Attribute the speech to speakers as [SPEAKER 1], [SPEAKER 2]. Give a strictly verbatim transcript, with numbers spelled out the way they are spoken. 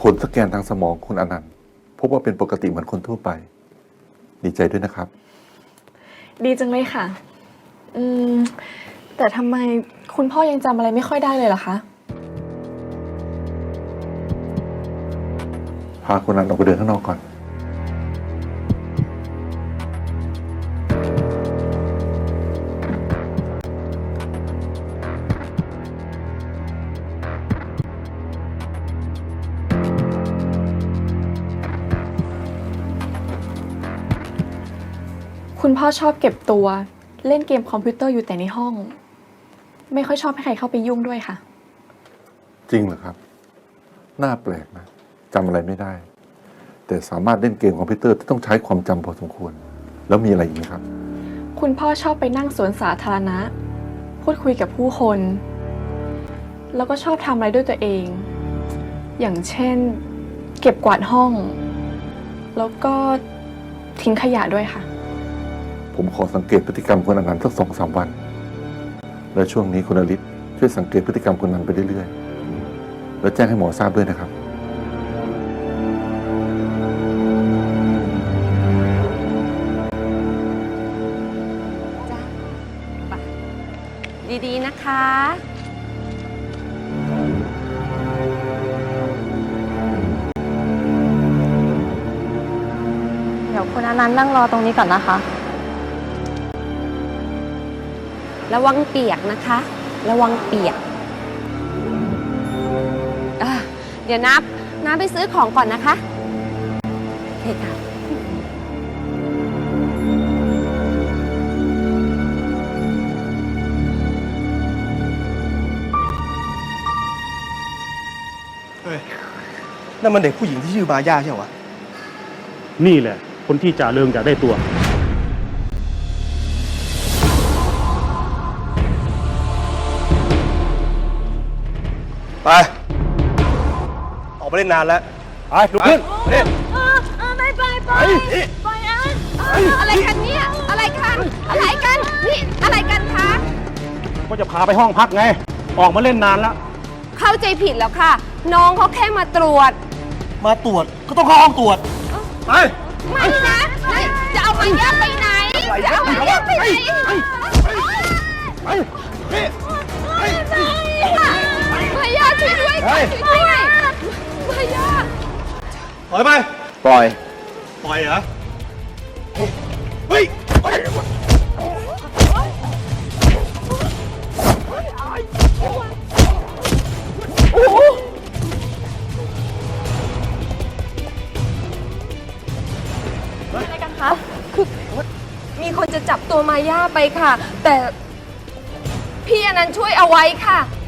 [SPEAKER 1] ผลสแกนทางสมองคุณอนันต์พบว่าเป็นปกติเหมือนคนทั่วไปดีใจด้วยนะครับ
[SPEAKER 2] ดีจังเลยค่ะอืมแต่ทำไมคุณพ่อยังจำอะไรไม่ค่อยได้เลยล่ะคะ
[SPEAKER 1] พาคุณอนันต์ออกไปเดินข้างนอกก่อน
[SPEAKER 2] คุณพ่อชอบเก็บตัวเล่นเกมคอมพิวเตอร์อยู่แต่ในห้อง ไม่ค่อยชอบให้ใครเข้าไปยุ่งด้วยค่ะ
[SPEAKER 1] จริงเหรอครับน่าแปลกนะจำอะไรไม่ได้แต่สามารถเล่นเกมคอมพิวเตอร์ที่ต้องใช้ความจำพอสมควรแล้วมีอะไรอีกไหมครับ
[SPEAKER 2] คุณพ่อชอบไปนั่งสวนสาธารณะพูดคุยกับผู้คนแล้วก็ชอบทำอะไรด้วยตัวเองอย่างเช่นเก็บกวาดห้องแล้วก็ทิ้งขยะด้วยค่ะ
[SPEAKER 1] ผมขอสังเกตพฤติกรรมคุณอนันต์สักสองสามวันและช่วงนี้คุณอลิศช่วยสังเกตพฤติกรรมคุณอนันต์ไปเรื่อยๆแล้วแจ้งให้หมอทราบด้วยนะครับ
[SPEAKER 3] จ้ะดีๆนะคะ
[SPEAKER 4] เดี๋ยวคุณอนันต์นั่งรอตรงนี้ก่อนนะคะ
[SPEAKER 3] ระวังเปียกนะคะระวังเปียกอ่ะเดี๋ยวนับน้าไปซื้อของก่อนนะคะโอเคค่ะ
[SPEAKER 5] เฮ้ยนั่นมันเด็กผู้หญิงที่ชื่อมาย่าใช่ไหมวะ
[SPEAKER 6] นี่แหละคนที่จ่าเริงอยากได้ตัว
[SPEAKER 5] ไปออกไปเล่นนานแล้ว
[SPEAKER 6] ไปลุกขึ้น
[SPEAKER 5] เล่น
[SPEAKER 3] ไปไปไปไปอันอะไรกันเนี่ยอะไรกันอะไรกันนี่อะไรกันคะ
[SPEAKER 6] ก็จะพาไปห้องพักไงออกมาเล่นนานแล้ว
[SPEAKER 3] เข้าใจผิดแล้วค่ะน้องเขาแค่มาตรวจ
[SPEAKER 5] มาตรวจก็ต้องเข้าห้องตรวจไป
[SPEAKER 3] ไม่นะจะเอามาย่าไปไหนจะเอามาย่าไปไหน
[SPEAKER 5] ไปไป
[SPEAKER 3] มาย่าช่วยด้วยช่วยด้วยมาย่า
[SPEAKER 5] ปล่อยไป
[SPEAKER 1] ปล่อย
[SPEAKER 5] ปล่อยเหรอเฮ้ย
[SPEAKER 3] อะไรกันคะคือมีคนจะจับตัวมาย่าไปค่ะแต่พี่อนันต์ช่วยเอาไว้ค่ะ